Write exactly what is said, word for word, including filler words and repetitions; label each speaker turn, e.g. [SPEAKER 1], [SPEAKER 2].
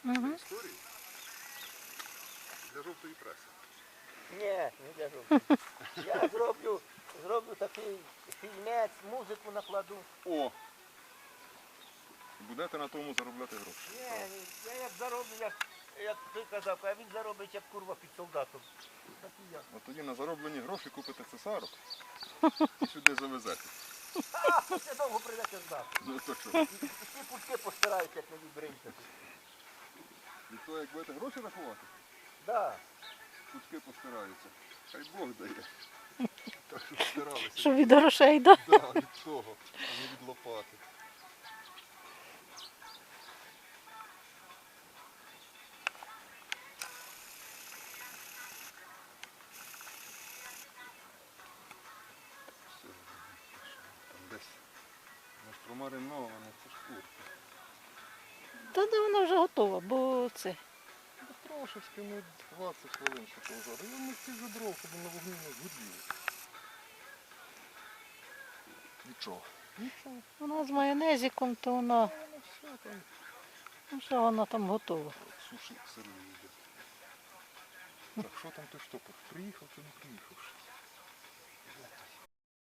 [SPEAKER 1] Угу.
[SPEAKER 2] Історії для жовтої преси.
[SPEAKER 3] Ні, не для жовтої. Я зроблю, зроблю такий фільмець, музику накладу.
[SPEAKER 2] О! Будете на тому заробляти гроші.
[SPEAKER 3] Ні, я як зароблю, як, як ти казав, а він заробить як курва під солдатом. Так і я.
[SPEAKER 2] От тоді на зароблені гроші купите цесарок і сюди завезете.
[SPEAKER 3] А, це довго прийдеться здати.
[SPEAKER 2] Ну то що?
[SPEAKER 3] І ті пучки постараються, як не відбриньте.
[SPEAKER 2] І то як будете гроші рахувати,
[SPEAKER 3] Да.
[SPEAKER 2] кутки постираються. Хай Бог дає. Так що стиралися.
[SPEAKER 1] Що від грошей, да?
[SPEAKER 2] Да, від того, а не від лопати. Все, там десь може промариноване, це шкурка.
[SPEAKER 1] Та де вона вже готова, бо це.
[SPEAKER 2] Ну, трошечки, ну двадцять хвилин ще повзати. Я не стільки дров, щоб на вогні не згоріло. Нічого. Нічого.
[SPEAKER 1] Вона з майонезиком, то вона,
[SPEAKER 2] Воно все там.
[SPEAKER 1] ну що вона там готова.
[SPEAKER 2] Суші сирою йде. Так, що там той штопор? Приїхав чи не приїхав?